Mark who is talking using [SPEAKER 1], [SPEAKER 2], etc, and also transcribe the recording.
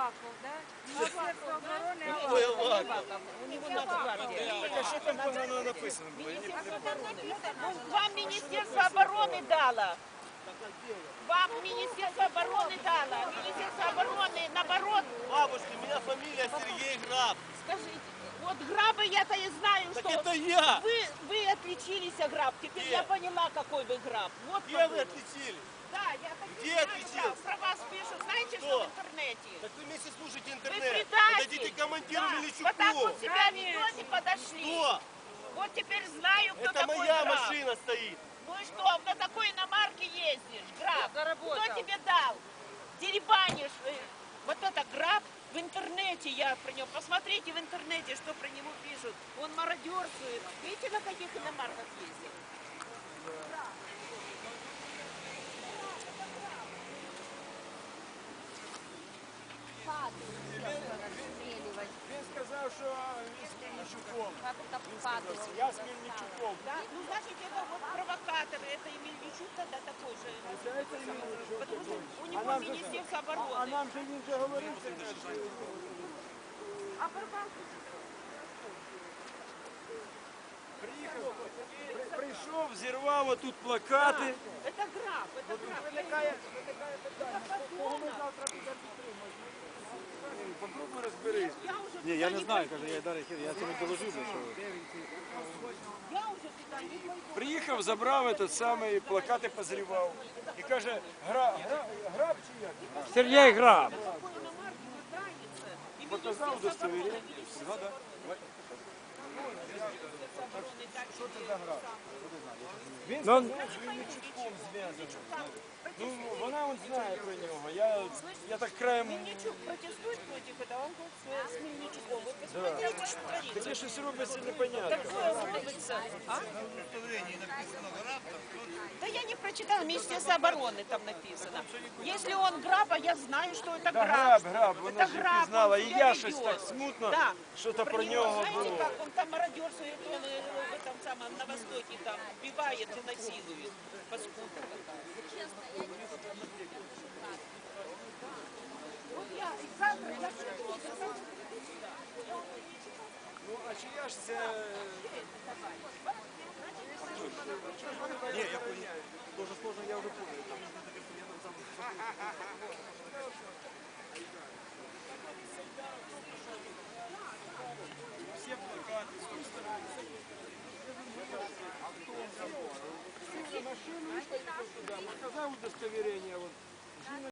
[SPEAKER 1] Аваков, да? Министерство обороны
[SPEAKER 2] Ой,
[SPEAKER 1] Аваков.
[SPEAKER 2] Аваков.
[SPEAKER 3] У него Нацгвардия.
[SPEAKER 2] Так а что там погано написано было? Я не
[SPEAKER 3] Министерство
[SPEAKER 2] понимаю.
[SPEAKER 3] обороны. Ну, вам Министерство обороны дало. Вам Министерство обороны дало. Министерство обороны, наоборот,
[SPEAKER 2] Бабушка, у меня фамилия Сергей Граб.
[SPEAKER 3] скажите, вот грабы я-то и знаю,
[SPEAKER 2] Так
[SPEAKER 3] что
[SPEAKER 2] это я!
[SPEAKER 3] вы отличились, граб. Теперь
[SPEAKER 2] Где?
[SPEAKER 3] я поняла, какой вы граб. Вот
[SPEAKER 2] Где вы
[SPEAKER 3] какой.
[SPEAKER 2] отличили?
[SPEAKER 3] Да, я так и
[SPEAKER 2] Где
[SPEAKER 3] знаю,
[SPEAKER 2] отличил?
[SPEAKER 3] граб. Про вас пишут, знаете,
[SPEAKER 2] Кто?
[SPEAKER 3] что в интернете?
[SPEAKER 2] Так вы вместе слушайте
[SPEAKER 3] Вы
[SPEAKER 2] интернет.
[SPEAKER 3] предатель.
[SPEAKER 2] Подойдите к командиру
[SPEAKER 3] Да,
[SPEAKER 2] Мельничуку.
[SPEAKER 3] вот так вот себя ведете, подошли.
[SPEAKER 2] Что?
[SPEAKER 3] Вот теперь знаю, кто
[SPEAKER 2] Это
[SPEAKER 3] такой
[SPEAKER 2] моя
[SPEAKER 3] граб.
[SPEAKER 2] машина стоит.
[SPEAKER 3] Ну и что, на такой иномарке ездишь, граб?
[SPEAKER 1] Заработал.
[SPEAKER 3] Кто тебе дал? Деребанишь. Вот это граб в интернете, я про него. Посмотрите в интернете, что про него пишут. Он мародерствует. Видите, на каких иномарках ездит?
[SPEAKER 2] Він сказав, що він з Мельничуком.
[SPEAKER 1] Как это падало.
[SPEAKER 2] Я з Мельничуком.
[SPEAKER 3] Да? Ну, значит, это вот провокаторы. Это и Мельничук тогда такой же. Потому что у него Министерство обороны.
[SPEAKER 2] нам же він вже говорив,
[SPEAKER 3] А Барбалку?
[SPEAKER 2] прийшов, зірвав отут плакати.
[SPEAKER 3] Это граб. Это граб. Это подонок.
[SPEAKER 2] Попробуй розберись.
[SPEAKER 3] Я уже
[SPEAKER 4] Ні, я не знаю, каже, я далі я цьому доложив, що
[SPEAKER 3] Я уже туда не пойду.
[SPEAKER 2] Приїхав, забрав этот самий, плакати позрівав. І каже, граб чи як?
[SPEAKER 4] Сергій Граб.
[SPEAKER 3] Какой иномарки пытается. И
[SPEAKER 2] Показав
[SPEAKER 3] Министерство
[SPEAKER 2] удостоверення.
[SPEAKER 3] обороны.
[SPEAKER 2] Згода. Що це за граб? Він
[SPEAKER 4] Ну,
[SPEAKER 2] сказав, що він Мельничуком зв'язаний. Ну, вона он знає про нього. Я так краєм...
[SPEAKER 3] Мельничук протестует против этого, он будет с Мельничуком. Вы посмотрите, что творится.
[SPEAKER 2] Таке щось робиться непонятно.
[SPEAKER 3] Такое робится. А? Да я не прочитала, Министерство обороны там написано. Если он граб, а я знаю, что это
[SPEAKER 2] Да,
[SPEAKER 3] граб.
[SPEAKER 2] граб, вона
[SPEAKER 3] Это
[SPEAKER 2] ж
[SPEAKER 3] граб,
[SPEAKER 2] пізнала.
[SPEAKER 3] он
[SPEAKER 2] І
[SPEAKER 3] себя
[SPEAKER 2] я
[SPEAKER 3] ведет.
[SPEAKER 2] щось так смутно,
[SPEAKER 3] Да.
[SPEAKER 2] що-то про нього
[SPEAKER 3] Знаете,
[SPEAKER 2] було.
[SPEAKER 3] как он там мародерствует, он в этом самом, на Востоке там убивает и насилует. Паскуда такая. Вот я, и завтра я приду,
[SPEAKER 2] Ну, а чия ж це... Ні, я понял.
[SPEAKER 4] дуже сложно, я вже понял.
[SPEAKER 2] Всі плакати, сів на машину і поїхав туди. Показав удостоверення.